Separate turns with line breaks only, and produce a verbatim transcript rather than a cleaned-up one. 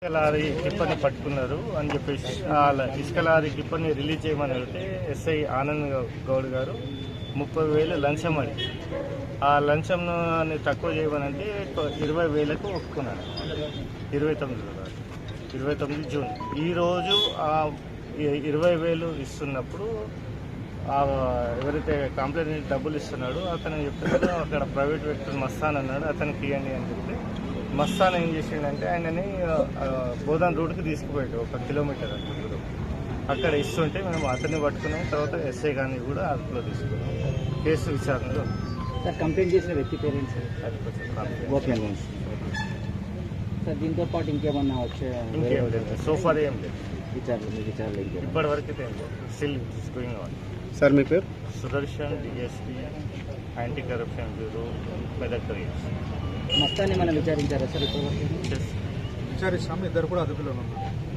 ఇసుక లారీ టిప్పర్ని పట్టుకున్నారు అని చెప్పేసి వాళ్ళ ఇసుక లారీ టిప్పర్ని రిలీజ్ చేయమని వెళ్తే ఎస్ఐ ఆనంద్ గౌడ్ గారు ముప్పై వేలు లంచం అడి ఆ లంచంను తక్కువ చేయమని అంటే ఇరవై వేలకు ఒప్పుకున్నాడు. ఇరవై తొమ్మిది ఇరవై తొమ్మిది జూన్ ఈరోజు ఆ ఇరవై వేలు ఇస్తున్నప్పుడు ఎవరైతే కంప్లైంట్ డబ్బులు ఇస్తున్నాడో అతను చెప్తున్నాడు అక్కడ ప్రైవేట్ వ్యక్తులు మస్తాన్ అన్నాడు, అతనికి ఇవ్వండి అని చెప్తే మస్తాన్ ఏం చేసిండంటే ఆయనని బోధన్ రోడ్కి తీసుకుపోయాడు ఒక కిలోమీటర్ అంత దూరం. అక్కడ ఇస్తుంటే మేము అతన్ని పట్టుకున్నాం. తర్వాత ఎస్ఐ గారిని కూడా అదుపులో తీసుకున్నాం. కేసు విచారణలో
సార్ కంప్లైంట్ చేసిన వ్యక్తి పేరెంట్స్ సార్ దీంతో పాటు ఇంకేమన్నా వచ్చే
ఇంకేం లేదు, సోఫార్ ఏం లేదు,
విచారణ విచారణ
ఇప్పటి వరకు ఏం లేదు. Still going on.
సార్ మీ పేరు?
Sudarshan, DSP, anti corruption bureau, Medak reach.
మొత్తాన్ని మనం విచారించారా సార్? ఇప్పుడు
విచారిస్తాం. ఇద్దరు కూడా అదుపులో ఉన్నారు.